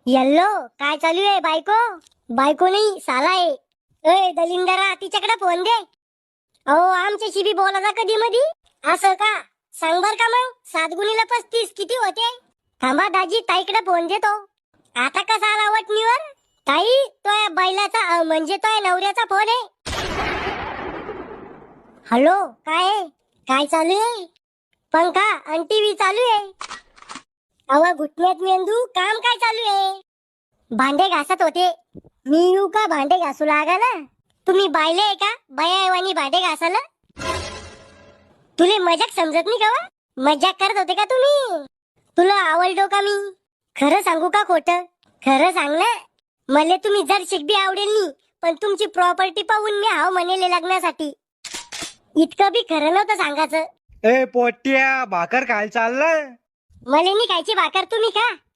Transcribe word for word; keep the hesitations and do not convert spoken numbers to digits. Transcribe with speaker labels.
Speaker 1: Yellow काय चालू आहे बायको? बायको नाही साला आहे. ए दलिंदरा तिच्याकडे फोन दे. अहो आमच्याशी बी बोलायचा कधी मधी. असं का? सांग बर का मग सात गुणीला पस्तीस किती होते? थांबा दाजी ताईकडे फोन देतो. आता कसा आला वटणीवर? ताई तो बैलाचा अ, म्हणजे तो नवऱ्याचा फोन आहे. हॅलो काय आहे? काय चालू आहे? पंखा आणि टीव्ही चालू आहे. अव घुटण्यात मेंदू काम काय चालू आहे? भांडे घासत होते. मी येऊ का भांडे घासू लागायला? तुम्ही बायले आहे का बायावानी भांडे घासायला? तुले मजाक समजत नाही का वा? मजाक करत होते का तुम्ही? तुला आवडलो का मी? खरं सांगू का खोटं? खरं सांग ना. मले तुम्ही जर शिकबी आवडेल नी पण तुमची प्रॉपर्टी पाहून मी हाव म्हणेले लग्नासाठी. इतकं बी खरं नव्हतं सांगायचं.
Speaker 2: ए पोट्या भाकर खायला चाललाय?
Speaker 1: मले नी खायची भाकर तुम्ही खा.